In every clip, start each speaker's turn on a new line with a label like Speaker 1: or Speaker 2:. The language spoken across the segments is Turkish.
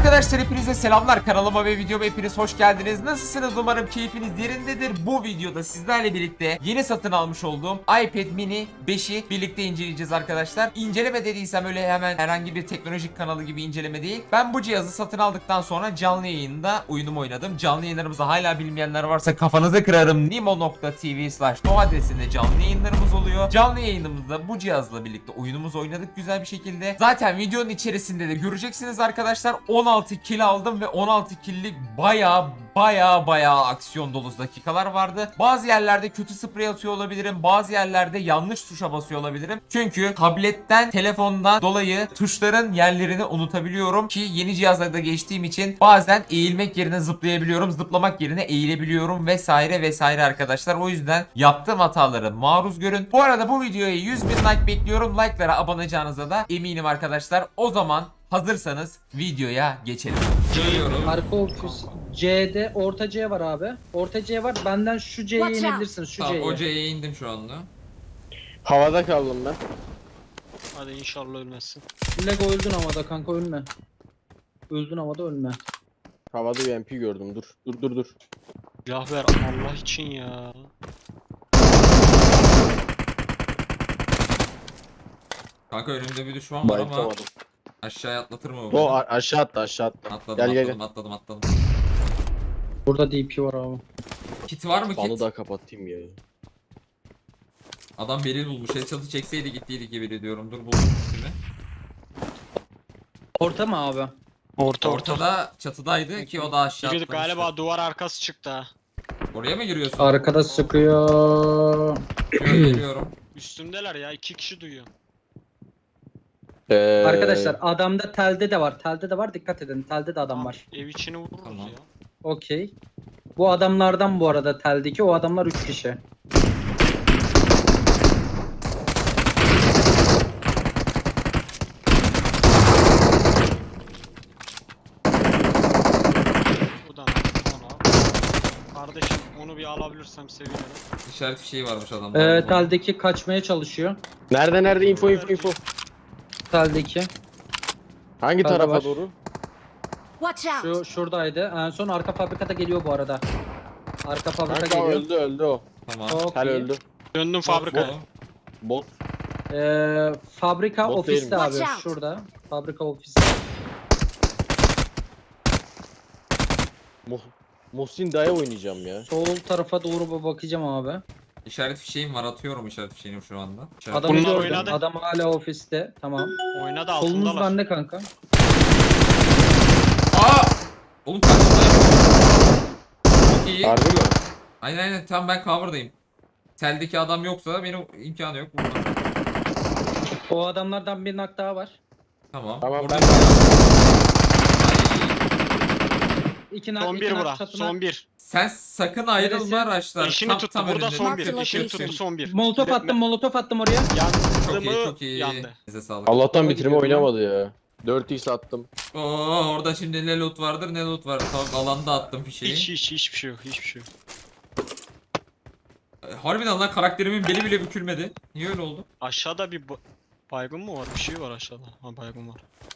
Speaker 1: Arkadaşlar hepinize selamlar, kanalıma ve videoma hepiniz hoş geldiniz. Nasılsınız? Umarım keyfiniz yerindedir. Bu videoda sizlerle birlikte yeni satın almış olduğum iPad mini 5'i birlikte inceleyeceğiz arkadaşlar. İnceleme dediysem öyle hemen herhangi bir teknolojik kanalı gibi inceleme değil. Ben bu cihazı satın aldıktan sonra canlı yayında oyunumu oynadım. Canlı yayınlarımızı hala bilmeyenler varsa kafanızı kırarım. nimo.tv/no adresinde canlı yayınlarımız oluyor. Canlı yayınımızda bu cihazla birlikte oyunumuzu oynadık güzel bir şekilde. Zaten videonun içerisinde de göreceksiniz arkadaşlar. 16 kill aldım ve 16 kill'lik baya aksiyon dolu dakikalar vardı. Bazı yerlerde kötü sprey atıyor olabilirim. Bazı yerlerde yanlış tuşa basıyor olabilirim. Çünkü tabletten, telefondan dolayı tuşların yerlerini unutabiliyorum ki yeni cihazlarda geçtiğim için bazen eğilmek yerine zıplayabiliyorum. Zıplamak yerine eğilebiliyorum vesaire arkadaşlar. O yüzden yaptığım hataları maruz görün. Bu arada bu videoya 100.000 like bekliyorum. Like'lara abone olacağınıza da eminim arkadaşlar. O zaman hazırsanız videoya geçelim. Görüyorum.
Speaker 2: Arka ofis C'de orta C var abi. Orta C var. Benden şu C'ye
Speaker 3: Watch out.
Speaker 2: inebilirsiniz. Şu
Speaker 1: Tamam,
Speaker 2: C'ye.
Speaker 1: o C'ye indim şu anda.
Speaker 4: Havada kaldım ben.
Speaker 5: Hadi inşallah ölmezsin.
Speaker 2: Lego öldün havada kanka, ölme. Öldün havada, ölme.
Speaker 4: Havada bir MP gördüm. Dur.
Speaker 5: Silah ver Allah için ya.
Speaker 1: Kanka önümde bir düşman var ama
Speaker 4: Bayıltamadım.
Speaker 1: aşağıya atlatır mı
Speaker 4: O
Speaker 1: bu?
Speaker 4: aşağı attı.
Speaker 1: Atladım.
Speaker 4: Gel.
Speaker 1: Atladım.
Speaker 2: Burada DP var abi.
Speaker 1: Kit var mı
Speaker 4: Fanı
Speaker 1: kit?
Speaker 4: da kapatayım ya.
Speaker 1: Adam beril bulmuş. Headshot'ı çekseydi gittiydik gibi ediyorum. Dur buldum kitimi.
Speaker 2: Orta mı abi?
Speaker 5: Orta.
Speaker 1: Ortada çatıdaydı ki o da aşağı
Speaker 5: Biri
Speaker 1: atlamıştı.
Speaker 5: galiba duvar arkası çıktı ha.
Speaker 1: Oraya mı giriyorsun?
Speaker 2: Arkada sıkıyor.
Speaker 1: Geliyorum.
Speaker 5: Üstümdeler ya, 2 kişi duyuyor.
Speaker 2: Arkadaşlar adamda telde de var. Telde de var, dikkat edin. Telde de adam var.
Speaker 5: Ev içini vururuz
Speaker 1: Tamam.
Speaker 5: ya.
Speaker 2: Okey. Bu adamlardan bu arada teldeki o adamlar 3 kişi.
Speaker 5: Bu da ona. Kardeşim onu bir alabilirsem sevinirim.
Speaker 1: İşaret fişeği varmış adamda.
Speaker 2: Teldeki kaçmaya çalışıyor.
Speaker 4: Nerede info.
Speaker 2: Teldeki.
Speaker 4: Hangi
Speaker 2: Hadi
Speaker 4: tarafa
Speaker 2: var.
Speaker 4: doğru?
Speaker 3: Watch out!
Speaker 2: Şuradaydı. En son arka fabrikada geliyor bu arada. Arka fabrika
Speaker 4: Kanka
Speaker 2: geliyor.
Speaker 4: öldü o.
Speaker 1: Tamam.
Speaker 2: Çok
Speaker 4: Tel
Speaker 2: iyi.
Speaker 4: öldü.
Speaker 5: Döndüm fabrikaya.
Speaker 4: Bot.
Speaker 2: Fabrika
Speaker 4: Bot
Speaker 2: ofiste
Speaker 4: değil
Speaker 3: mi?
Speaker 2: abi.
Speaker 3: Watch out.
Speaker 2: Şurada. Fabrika ofiste.
Speaker 4: Muhsin Dayı oynayacağım ya.
Speaker 2: Sol tarafa doğru bir bakacağım abi.
Speaker 1: İşaret fişeğim var. Atıyorum işaret fişeğini şu anda.
Speaker 2: Adamı
Speaker 5: Bunlar
Speaker 2: gördüm.
Speaker 5: oynadı.
Speaker 2: Adam hala ofiste. Tamam.
Speaker 5: Oyna da
Speaker 2: Kolunuz
Speaker 5: altındalar.
Speaker 2: bende kanka.
Speaker 1: Aa! Oğlum karşımdayım. Çok iyi.
Speaker 4: Harbi mi?
Speaker 1: Aynen tam ben cover'dayım. Teldeki adam yoksa benim imkanı yok burada.
Speaker 2: O adamlardan bir nak daha var.
Speaker 1: Tamam.
Speaker 4: Tamam,
Speaker 1: Orada-
Speaker 4: ben-
Speaker 2: İki nak,
Speaker 5: Son
Speaker 2: iki
Speaker 5: bir
Speaker 2: nak
Speaker 5: bura.
Speaker 2: çatına.
Speaker 5: Son bir.
Speaker 1: Sen sakın ayrılma
Speaker 2: Neresi?
Speaker 1: araçlar.
Speaker 5: Eşini tuttu. Burada
Speaker 1: önünde.
Speaker 5: son bir.
Speaker 3: Marked
Speaker 5: Eşini
Speaker 3: location.
Speaker 5: tuttu son bir.
Speaker 2: Molotof attım oraya.
Speaker 1: Çok iyi
Speaker 5: Yandı
Speaker 1: çok iyi.
Speaker 5: yandı.
Speaker 1: Size sağlık.
Speaker 4: Allah'tan bitirme
Speaker 2: gidiyorum
Speaker 4: oynamadı ya. 4x attım.
Speaker 1: Oo orada şimdi ne loot vardır ne loot var. Tamam alanda attım fişeği.
Speaker 5: Hiçbir şey yok. Hiçbir şey yok.
Speaker 1: Harbiden lan karakterimin beli bile bükülmedi. Niye öyle oldu?
Speaker 5: Aşağıda bir baygın mı var? Bir şey var aşağıda. Ha baygın var.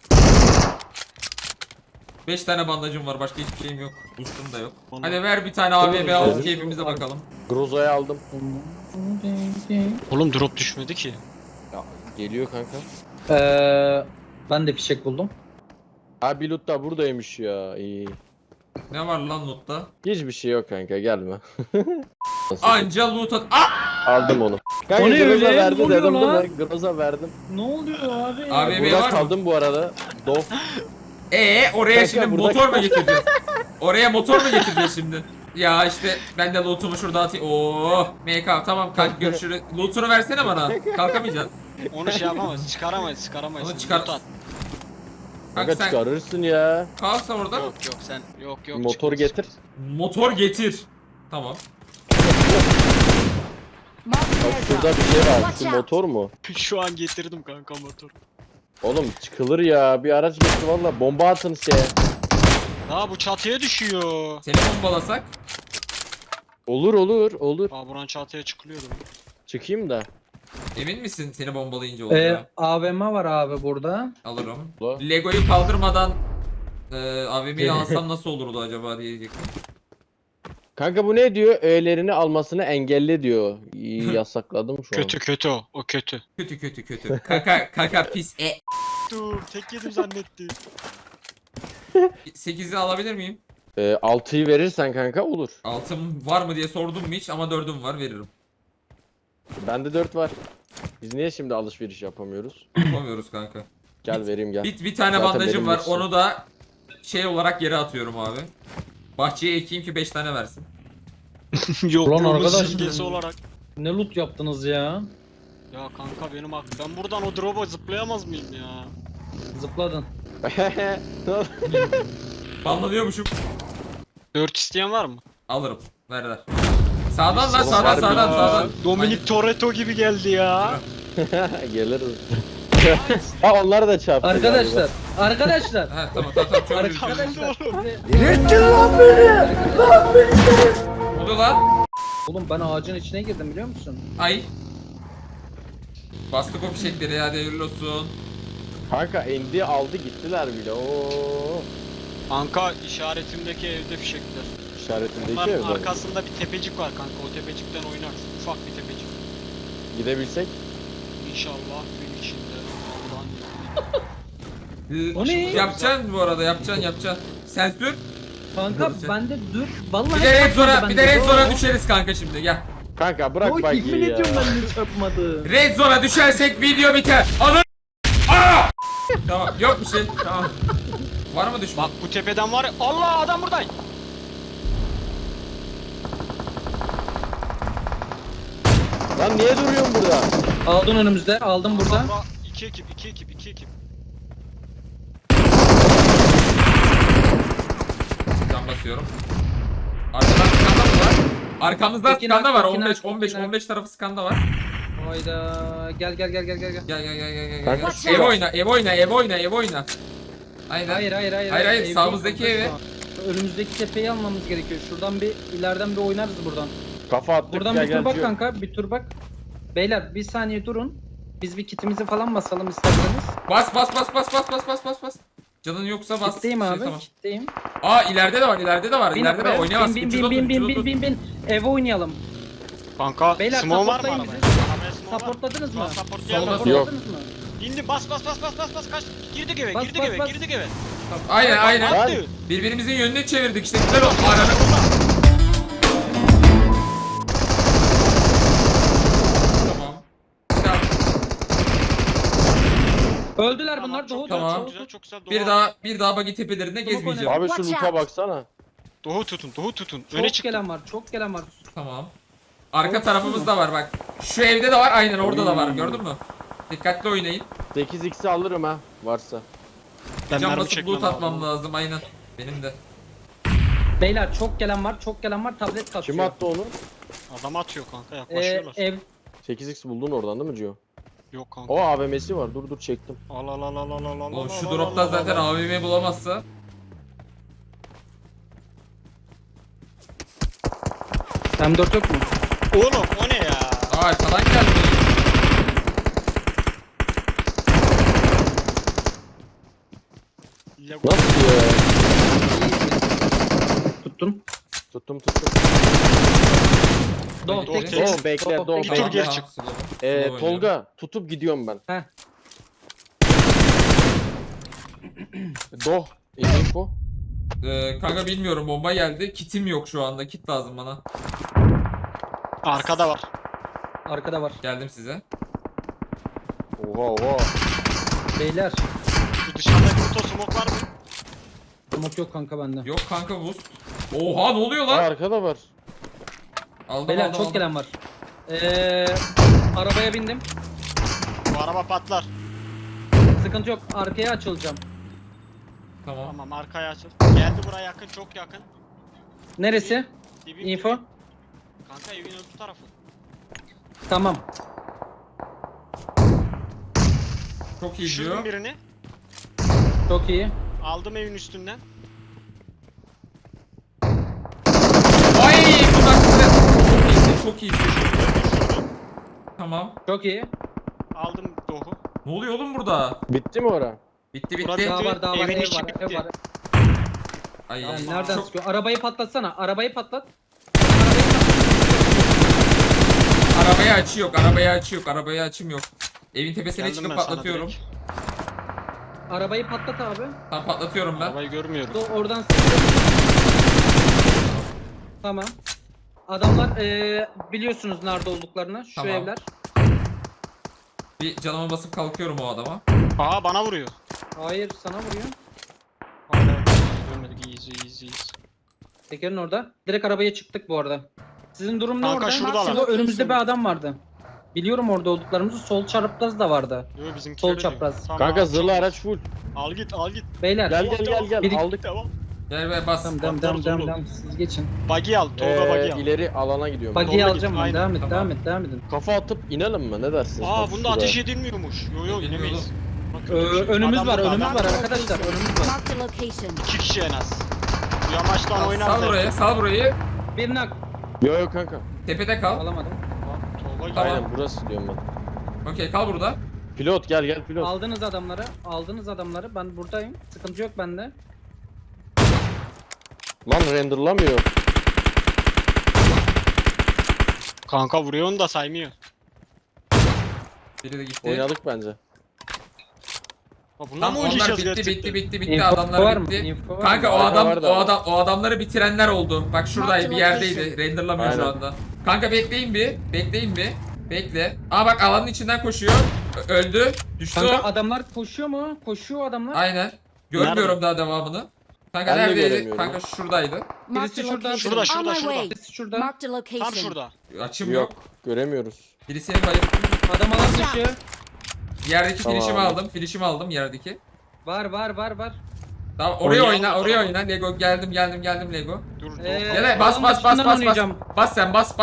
Speaker 1: 5 tane bandajım var, başka hiçbir şeyim yok. Boost'um da yok.
Speaker 5: Onu-
Speaker 1: Hadi ver bir tane AVM
Speaker 2: Tamam,
Speaker 1: alıp
Speaker 2: güzel.
Speaker 1: keyfimize bakalım.
Speaker 4: Groza'yı aldım.
Speaker 5: Oğlum drop düşmedi ki.
Speaker 4: Ya, geliyor kanka.
Speaker 2: Ben de fişek buldum.
Speaker 4: Ha bir loot da buradaymış ya. İyi.
Speaker 1: Ne var lan lootta?
Speaker 4: Hiçbir şey yok kanka, gelme.
Speaker 1: Anca loot at. Ah!
Speaker 4: Aldım onu. Kanka
Speaker 2: O ne
Speaker 4: Groza
Speaker 2: öyle?
Speaker 4: verdi
Speaker 2: Ne oluyor
Speaker 4: dedim değil
Speaker 2: lan?
Speaker 4: mi? Groza verdim.
Speaker 2: Ne oluyor abi?
Speaker 1: Abi
Speaker 4: Burada
Speaker 1: var mı?
Speaker 4: kaldım bu arada. Dof.
Speaker 1: Oraya
Speaker 4: Kanka,
Speaker 1: şimdi
Speaker 4: burada-
Speaker 1: motor mu getireceğiz? Oraya motor mu getireceğiz şimdi? Ya işte ben de loot'umu şurada atayım. Oo, MK tamam kalk görüşürüz. Loot'unu versene bana. Kalkamayacaksın.
Speaker 5: Onu şey yapamayız. Çıkaramayız.
Speaker 1: Onu çıkar.
Speaker 5: Loot at.
Speaker 1: Kanka
Speaker 4: Kanka
Speaker 1: sen
Speaker 4: çıkarırsın ya.
Speaker 1: kalsa orada.
Speaker 5: Yok sen. Yok.
Speaker 4: Motor
Speaker 5: çıkmaz.
Speaker 4: getir.
Speaker 1: Motor getir. Tamam.
Speaker 3: Marked
Speaker 4: Bak
Speaker 3: airdrop.
Speaker 4: şurada bir şey var.
Speaker 3: Watch
Speaker 4: Şu
Speaker 3: out.
Speaker 4: motor mu?
Speaker 5: Şu an getirdim kanka motor.
Speaker 4: Oğlum çıkılır ya. Bir araç getir valla. Bomba atın şeye.
Speaker 5: Ha bu çatıya düşüyor.
Speaker 1: Seni bombalasak.
Speaker 4: Olur.
Speaker 5: Aa buranın çatıya çıkılıyordu.
Speaker 4: Çıkayım da.
Speaker 1: Emin misin seni bombalayınca olacağı?
Speaker 2: AVM var abi burada.
Speaker 1: Alırım.
Speaker 4: Ula.
Speaker 1: Lego'yu kaldırmadan AVM'yi alsam nasıl olurdu acaba diyecektim.
Speaker 4: Kanka bu ne diyor? Öğelerini almasını engelle diyor. İyi, yasakladım şu an.
Speaker 5: Kötü kötü o. O kötü.
Speaker 1: Kötü kötü kötü. Kaka pis.
Speaker 5: Dur tek yedim zannettim.
Speaker 1: 8'i alabilir miyim?
Speaker 4: 6'yı verirsen kanka olur.
Speaker 1: Altım var mı diye sordum mu hiç ama 4'üm var, veririm.
Speaker 4: Bende 4 var. Biz niye şimdi alışveriş yapamıyoruz?
Speaker 1: Yapamıyoruz kanka.
Speaker 4: Gel vereyim gel.
Speaker 1: Bir tane
Speaker 4: Zaten
Speaker 1: bandajım
Speaker 4: benim
Speaker 1: var,
Speaker 4: yoksa.
Speaker 1: onu da şey olarak yere atıyorum abi. Bahçeye ekeyim ki 5 tane versin.
Speaker 5: Yokluğumuz
Speaker 2: arkadaş-
Speaker 5: simgesi olarak.
Speaker 2: Ne loot yaptınız ya?
Speaker 5: Ya kanka benim ben buradan o drop'a zıplayamaz mıyım ya?
Speaker 2: Zıpladın.
Speaker 1: Banlanıyormuşum.
Speaker 5: 4 isteyen var mı?
Speaker 1: Alırım. Ver. Sağdan lan,
Speaker 4: Oğlum
Speaker 1: sağdan
Speaker 4: harbi
Speaker 1: sağdan
Speaker 4: ya.
Speaker 1: sağdan.
Speaker 5: Dominic Toretto gibi geldi ya.
Speaker 4: Geliriz. Ha onları da çarptı.
Speaker 2: Arkadaşlar. Arkadaşlar.
Speaker 1: Ha tamam çok üzüldüm.
Speaker 2: Arkadaşlar.
Speaker 1: Ne oluyor lan?
Speaker 2: Oğlum ben ağacın içine girdim biliyor musun?
Speaker 1: Ay. Bastık o fişekleri, hadi hayırlı olsun.
Speaker 4: Kanka indi aldı gittiler bile. Oo.
Speaker 5: Kanka işaretimdeki evde fişekler.
Speaker 4: İşaretindeki
Speaker 5: Bunların
Speaker 4: evde.
Speaker 5: arkasında bir tepecik var kanka. O tepecikten oynarsın. Ufak bir tepecik.
Speaker 4: Gidebilsek.
Speaker 5: İnşallah gün içinde. Allah'ın
Speaker 2: O ne?
Speaker 1: Yapacaksın bu arada, yapacaksın. Sensör.
Speaker 2: Kanka
Speaker 1: Dur sen.
Speaker 2: bende dur. Vallahi
Speaker 1: Bir de red
Speaker 2: çarpmadı
Speaker 1: zone'a, bir de
Speaker 2: bende.
Speaker 1: red zone'a düşeriz kanka şimdi, gel.
Speaker 4: Kanka bırak
Speaker 2: Oy,
Speaker 4: bak
Speaker 2: yemin
Speaker 4: ya.
Speaker 2: ediyorum ben de çarpmadı.
Speaker 1: Red zone'a düşersek video biter. Anı. Aa! Tamam, yok bir şey. Tamam. Var mı düşman?
Speaker 5: Bak bu tepeden var ya. Allah adam buradan.
Speaker 4: Lan niye duruyorsun burada?
Speaker 2: Aldın önümüzde. Aldım burada.
Speaker 5: Allah, iki ekip.
Speaker 1: Can basıyorum. Arkadan skanda mı var? Arkamızda
Speaker 2: Tekin
Speaker 1: skanda
Speaker 2: ak,
Speaker 1: var.
Speaker 2: Tekin
Speaker 1: 15
Speaker 2: ak,
Speaker 1: 15
Speaker 2: Tekin ak.
Speaker 1: 15 tarafı skanda var.
Speaker 2: Hayda. Gel.
Speaker 1: Gel.
Speaker 4: Kanka
Speaker 3: Watch
Speaker 1: Ev
Speaker 3: out.
Speaker 1: oyna. Aynen.
Speaker 2: Hayır.
Speaker 1: Sağımızdaki evi.
Speaker 2: Önümüzdeki tepeyi almamız gerekiyor. Şuradan bir ileriden bir oynarız buradan.
Speaker 4: kafa attık
Speaker 2: Buradan
Speaker 4: gel
Speaker 2: bir
Speaker 4: gel.
Speaker 2: tur bak
Speaker 4: diyor.
Speaker 2: kanka. Bir tur bak. Beyler bir saniye durun. Biz bir kitimizi falan basalım isterseniz.
Speaker 1: Bas. Canın yoksa bas.
Speaker 2: Kitleyim
Speaker 1: Şey,
Speaker 2: abi.
Speaker 1: tamam.
Speaker 2: Kitleyim.
Speaker 1: Aa ileride de var.
Speaker 2: Bin
Speaker 1: İleride de
Speaker 2: arabaya.
Speaker 1: oynayamaz.
Speaker 2: Bin. Eve oynayalım.
Speaker 5: Kanka
Speaker 2: Beyler,
Speaker 5: small var mı
Speaker 2: supportlayın
Speaker 5: arabaya?
Speaker 2: bizi.
Speaker 5: Arabaya small var.
Speaker 2: Supportladınız mı?
Speaker 5: Supportlayalım.
Speaker 1: Solda-
Speaker 2: Supportladınız mı?
Speaker 5: İndi bas kaç. Girdik eve.
Speaker 2: Bas.
Speaker 5: Girdik eve.
Speaker 1: Aynen.
Speaker 5: Attı.
Speaker 1: Birbirimizin yönünü çevirdik işte. Güzel oldu. Ananı. Tamam. Tamam.
Speaker 2: Öldüler bunlar.
Speaker 5: Çok
Speaker 2: Doğu
Speaker 5: güzel,
Speaker 1: Tamam.
Speaker 5: çok güzel, çok güzel.
Speaker 1: Bir daha bagi tepelerinde gezmeyeceğim.
Speaker 4: Abi şu
Speaker 3: Watch
Speaker 4: loot'a
Speaker 3: out.
Speaker 4: baksana.
Speaker 5: Doğu tutun. Öne
Speaker 2: Çok
Speaker 5: çık.
Speaker 2: gelen var.
Speaker 1: Tamam. Arka tarafımızda var bak. Şu evde de var, aynen orada da var. Gördün mü? Dikkatli oynayın.
Speaker 4: 8x'i alırım ha varsa.
Speaker 5: Ben
Speaker 1: Can
Speaker 5: mermi
Speaker 1: basıp
Speaker 5: çekmem
Speaker 1: loot atmam
Speaker 5: lazım.
Speaker 1: lazım aynen. Benim de.
Speaker 2: Beyler çok gelen var. Tablet kasıyor.
Speaker 4: Kim attı onu?
Speaker 5: Adam atıyor kanka yaklaşıyorlar.
Speaker 2: Ev
Speaker 4: 8x buldun oradan değil mi Cio?
Speaker 5: Yok kanka.
Speaker 4: O AVM'si var. Dur çektim.
Speaker 5: Al.
Speaker 1: Oğlum şu dropta zaten AVM bulamazsa.
Speaker 2: M4 yok mu?
Speaker 5: Oğlum o ne ya?
Speaker 1: Aa arkadan geldi.
Speaker 4: Nasıl ya?
Speaker 2: Tuttum.
Speaker 4: Tuttum.
Speaker 2: Doğu
Speaker 1: Doğu,
Speaker 2: tek.
Speaker 5: tek.
Speaker 4: Bekle, Doğu,
Speaker 5: Bir tur
Speaker 4: bekle.
Speaker 5: geri çık.
Speaker 4: Tolga tutup gidiyorum ben.
Speaker 2: Heh.
Speaker 4: Doh. Info.
Speaker 1: Kanka bilmiyorum, bomba geldi. Kitim yok şu anda. Kit lazım bana.
Speaker 5: Arkada var.
Speaker 2: Arkada var.
Speaker 1: Geldim size.
Speaker 4: Oha.
Speaker 2: Beyler.
Speaker 5: Şu dışarıdaki kutu smoke var mı?
Speaker 2: Smoke yok kanka bende.
Speaker 1: Yok kanka boost. Oha ne oluyor
Speaker 4: Aa,
Speaker 1: lan?
Speaker 4: arkada var.
Speaker 1: Aldım
Speaker 2: Beyler
Speaker 1: aldım.
Speaker 2: çok
Speaker 1: aldım.
Speaker 2: gelen var. Arabaya bindim.
Speaker 5: Bu araba patlar.
Speaker 2: Sıkıntı yok. Arkaya açılacağım.
Speaker 1: Tamam.
Speaker 5: Tamam arkaya açıl. Geldi buraya yakın, çok yakın.
Speaker 2: Neresi?
Speaker 5: Dibin
Speaker 2: Info.
Speaker 5: dibi. Kanka evin öbür tarafı.
Speaker 2: Tamam.
Speaker 1: Çok iyi
Speaker 5: Düşürdüm
Speaker 1: diyor.
Speaker 5: birini.
Speaker 2: Çok iyi.
Speaker 5: Aldım evin üstünden.
Speaker 1: Ay bunlar güzel. Çok iyisin. Tamam.
Speaker 2: Çok iyi.
Speaker 5: Aldım Doğu.
Speaker 1: Ne oluyor oğlum burada?
Speaker 4: Bitti mi ora?
Speaker 1: Bitti
Speaker 5: Burada
Speaker 1: bitti.
Speaker 2: Daha var.
Speaker 5: Evin
Speaker 2: Ev
Speaker 5: içi
Speaker 2: var.
Speaker 5: bitti.
Speaker 2: Ev var.
Speaker 1: Ay,
Speaker 2: Yani
Speaker 5: Yapma.
Speaker 2: nereden
Speaker 1: çok-
Speaker 2: sıkıyor? Arabayı patlatsana. Arabayı patlat.
Speaker 1: Arabaya açı yok, arabaya açı yok, arabaya açım yok. Evin tepesine
Speaker 5: Geldim
Speaker 1: çıkıp
Speaker 5: ben sana
Speaker 1: patlatıyorum.
Speaker 5: direkt.
Speaker 2: Arabayı patlat abi.
Speaker 1: Tamam patlatıyorum ben.
Speaker 5: Arabayı görmüyorum.
Speaker 2: Oradan sıkıyor. Tamam. Adamlar biliyorsunuz nerede olduklarını. Şu
Speaker 1: Tamam.
Speaker 2: evler.
Speaker 1: Bir canıma basıp kalkıyorum o adama.
Speaker 5: Aa bana vuruyor.
Speaker 2: Hayır sana vuruyor.
Speaker 5: Hala görmedik. Easy.
Speaker 2: Tekerin orada. Direkt arabaya çıktık bu arada. Sizin durum ne
Speaker 5: Kanka
Speaker 2: orada?
Speaker 5: şuradalar.
Speaker 2: Şurada önümüzde bir adam vardı. Biliyorum orada olduklarımızı. Sol çapraz da vardı.
Speaker 5: Yo bizimkileri
Speaker 2: Sol
Speaker 5: diyor.
Speaker 2: çapraz.
Speaker 5: Tamam,
Speaker 4: Kanka
Speaker 5: çok
Speaker 4: zırhlı
Speaker 5: iyi.
Speaker 4: araç full.
Speaker 5: Al git.
Speaker 2: Beyler.
Speaker 4: Gel
Speaker 2: Biri-
Speaker 4: aldık.
Speaker 5: Tamam.
Speaker 1: Gel be bas.
Speaker 2: Tamam
Speaker 5: Patlarız oğlum.
Speaker 2: devam. Siz geçin.
Speaker 5: Buggy al. Tolga buggy al.
Speaker 4: İleri alana gidiyorum.
Speaker 2: Buggy'yi
Speaker 5: Doğru
Speaker 2: alacağım
Speaker 5: git,
Speaker 2: ben.
Speaker 5: aynen.
Speaker 2: Devam et.
Speaker 1: Tamam.
Speaker 4: Kafa atıp inelim mi? Ne dersiniz?
Speaker 5: Aa
Speaker 4: Bak
Speaker 5: bunda
Speaker 4: şuraya.
Speaker 5: ateş edilmiyormuş. Yo inemeyiz. Bak, kötü bir şey.
Speaker 2: Önümüz
Speaker 5: Adam
Speaker 2: var
Speaker 5: burada, adam burada.
Speaker 2: arkadaşlar. Önümüz var.
Speaker 3: Marked a location.
Speaker 5: 2 kişi en az. Bu yamaçtan oynar
Speaker 1: Sal
Speaker 5: zaten.
Speaker 1: burayı, sal burayı.
Speaker 2: Bir nak.
Speaker 4: Yo kanka.
Speaker 1: Tepede kal.
Speaker 2: Alamadım.
Speaker 5: Tolga gel.
Speaker 1: Tamam.
Speaker 4: Aynen burası diyorum ben.
Speaker 1: Okey kal burada.
Speaker 4: Pilot gel pilot.
Speaker 2: Aldınız adamları. Ben buradayım. Sıkıntı yok bende.
Speaker 4: Lan renderlamıyor.
Speaker 5: Kanka vuruyor onu da saymıyor.
Speaker 1: Biri de gitti.
Speaker 4: Oynadık bence.
Speaker 5: Ha, bundan
Speaker 1: Tamam
Speaker 5: mı
Speaker 1: onlar
Speaker 5: oynayacağız
Speaker 1: bitti
Speaker 5: gerçekten?
Speaker 2: Info var
Speaker 1: adamlar
Speaker 2: mı?
Speaker 1: bitti.
Speaker 2: Info var
Speaker 1: Kanka
Speaker 2: mı?
Speaker 1: o adamları bitirenler oldu. Bak şuradaydı bir yerdeydi. Renderlamıyor şu
Speaker 4: Aynen.
Speaker 1: anda. Kanka bekleyin bir. Bekle. Aa bak alanın içinden koşuyor. Öldü. Düştü
Speaker 2: Kanka
Speaker 1: o.
Speaker 2: adamlar koşuyor mu? Koşuyor adamlar.
Speaker 1: Aynen. Görmüyorum
Speaker 5: Nerede?
Speaker 1: daha devamını. Kanka
Speaker 4: Ben de
Speaker 1: neredeydi?
Speaker 4: göremiyorum.
Speaker 1: Kanka şuradaydı.
Speaker 3: Marked a
Speaker 2: Birisi şurada.
Speaker 3: location.
Speaker 5: Şurada,
Speaker 3: On my
Speaker 5: şurada.
Speaker 3: way.
Speaker 2: Birisi şurada.
Speaker 3: Marked a location.
Speaker 5: Tam şurada.
Speaker 1: Açım
Speaker 4: Yok.
Speaker 1: yok.
Speaker 4: Göremiyoruz.
Speaker 1: Birisinin bayıp.
Speaker 2: Adam alan dışı.
Speaker 1: Yerdeki
Speaker 4: Tamam.
Speaker 1: finishimi aldım yerdeki.
Speaker 2: Var.
Speaker 1: Tamam oraya
Speaker 5: Oynayalım.
Speaker 1: oyna. Lego geldim Lego.
Speaker 5: Dur.
Speaker 1: Gel bas
Speaker 2: alan
Speaker 1: bas
Speaker 2: dışından
Speaker 1: bas.
Speaker 2: oynayacağım.
Speaker 1: Bas sen bas.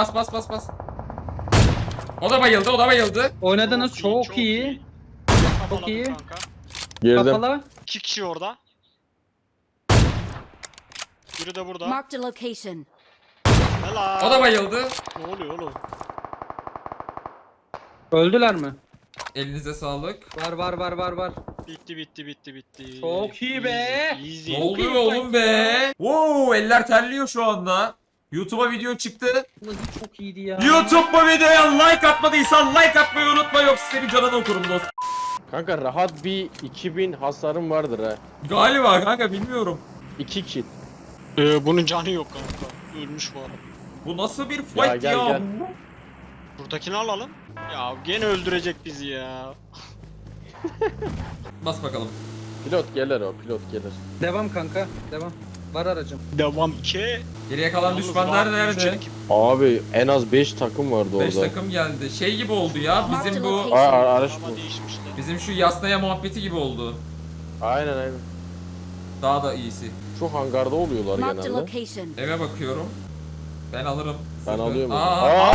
Speaker 1: O da bayıldı.
Speaker 2: Oynadınız çok iyi.
Speaker 5: Çok
Speaker 2: iyi.
Speaker 5: Kanka.
Speaker 4: Girdim.
Speaker 2: Kapalı.
Speaker 5: 2 kişi orada. Biri de burada.
Speaker 3: Marked a location.
Speaker 5: Helal.
Speaker 1: O da bayıldı.
Speaker 5: Ne oluyor oğlum?
Speaker 2: Öldüler mi?
Speaker 1: Elinize sağlık.
Speaker 2: Var.
Speaker 5: Bitti.
Speaker 2: Çok iyi be.
Speaker 5: Easy.
Speaker 1: Ne oluyor oğlum be? Wow, eller terliyor şu anda. YouTube'a video çıktı.
Speaker 2: Vallahi çok iyiydi ya.
Speaker 1: YouTube bu videoya like atmadıysan like atmayı unutma yoksa senin canını okurum dostum.
Speaker 4: Kanka rahat bir 2000 hasarım vardır ha.
Speaker 1: Galiba kanka bilmiyorum.
Speaker 4: 2 kill.
Speaker 5: Bunun canı yok kanka. Ölmüş bu arada.
Speaker 1: Bu nasıl bir fight ya?
Speaker 4: gel.
Speaker 5: Buradakini alalım. Ya gene öldürecek bizi ya.
Speaker 1: Bas bakalım.
Speaker 4: Pilot gelir o. Pilot gelir.
Speaker 2: Devam kanka. Devam. Var aracım.
Speaker 5: Devam ki.
Speaker 1: Geriye kalan düşmanlar nerede?
Speaker 4: Abi en az 5 takım vardı
Speaker 1: 5
Speaker 4: orada.
Speaker 1: takım geldi. Şey gibi oldu ya. Bizim bu
Speaker 4: Araç
Speaker 5: Araba
Speaker 4: bu.
Speaker 5: değişmişti.
Speaker 1: bizim şu yasnaya muhabbeti gibi oldu.
Speaker 4: Aynen.
Speaker 1: Daha da iyisi.
Speaker 4: Şu hangarda oluyorlar
Speaker 3: Marked a
Speaker 4: genelde.
Speaker 3: location.
Speaker 1: Eve bakıyorum. Ben alırım.
Speaker 4: Ben
Speaker 1: Sıfır.
Speaker 4: alıyorum.
Speaker 1: Aa,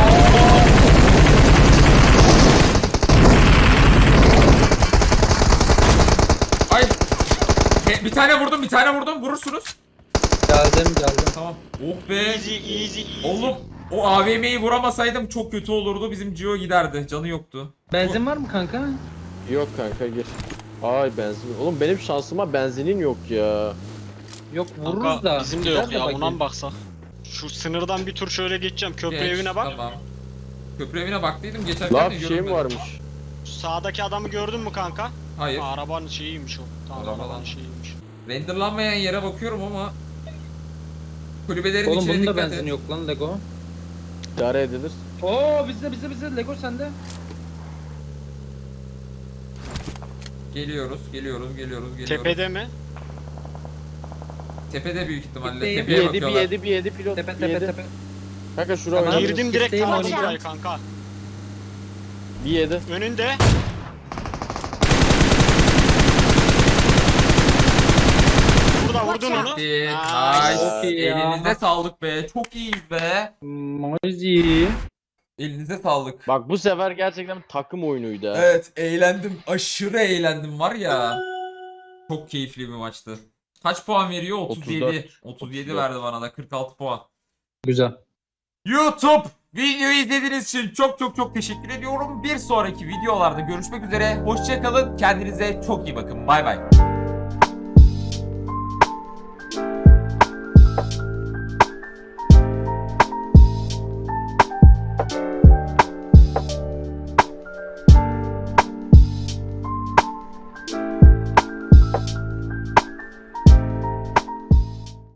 Speaker 1: ay. Bir tane vurdum. Vurursunuz.
Speaker 2: Geldim.
Speaker 1: Tamam. Oh be.
Speaker 5: Easy.
Speaker 1: Oğlum o AVM'yi vuramasaydım çok kötü olurdu. Bizim Gio giderdi. Canı yoktu.
Speaker 2: Benzin var mı kanka?
Speaker 4: Yok kanka gir. Ay benzin. Oğlum benim şansıma benzinin yok ya.
Speaker 2: Yok vururuz
Speaker 5: Kanka,
Speaker 2: da.
Speaker 5: bizim de
Speaker 2: Gider
Speaker 5: yok ya
Speaker 2: bakayım.
Speaker 5: ona mı baksak? Şu sınırdan bir tur şöyle geçeceğim. Köprü
Speaker 1: Geç,
Speaker 5: evine bak.
Speaker 1: Tamam. Köprü evine baktıydım geçerken
Speaker 4: Laf
Speaker 1: de
Speaker 4: şey
Speaker 1: görünmedi.
Speaker 4: mi varmış?
Speaker 5: Şu sağdaki adamı gördün mü kanka?
Speaker 1: Hayır.
Speaker 5: Ha, arabanın şeyiymiş o. Tamam
Speaker 1: Arabadan.
Speaker 5: arabanın şeyiymiş.
Speaker 1: Renderlanmayan yere bakıyorum ama kulübelerin
Speaker 2: Oğlum
Speaker 1: içine
Speaker 2: bunun da
Speaker 1: dikkat
Speaker 2: benzin
Speaker 1: et.
Speaker 2: yok lan Lego.
Speaker 4: İdare edilir.
Speaker 2: Oo bizde Lego sende.
Speaker 1: Geliyoruz.
Speaker 5: Tepede mi?
Speaker 1: Tepede büyük ihtimalle.
Speaker 2: Tepeye
Speaker 1: Tepeye
Speaker 4: Bir
Speaker 1: bakıyorlar.
Speaker 4: yedi pilot.
Speaker 2: Tepe
Speaker 4: bir yedi.
Speaker 2: tepe.
Speaker 4: Kanka şura
Speaker 2: Tamam.
Speaker 4: oynadı.
Speaker 5: Girdim direkt
Speaker 2: Kitleyim
Speaker 5: taradım
Speaker 3: onu.
Speaker 5: burayı kanka.
Speaker 4: Bir yedi.
Speaker 5: Önünde. Burada vurdun
Speaker 3: Watch
Speaker 5: onu.
Speaker 3: out.
Speaker 1: Nice.
Speaker 2: Çok iyi ya.
Speaker 1: Elinize sağlık be. Çok iyiyiz be.
Speaker 2: Mozi.
Speaker 1: Elinize sağlık.
Speaker 4: Bak bu sefer gerçekten takım oyunuydu ha.
Speaker 1: Evet eğlendim. Aşırı eğlendim var ya. Çok keyifli bir maçtı. Kaç puan veriyor? 37. 37
Speaker 4: 34.
Speaker 1: verdi bana da 46 puan.
Speaker 2: Güzel.
Speaker 1: YouTube videoyu izlediğiniz için çok teşekkür ediyorum. Bir sonraki videolarda görüşmek üzere. Hoşça kalın. Kendinize çok iyi bakın. Bay bay.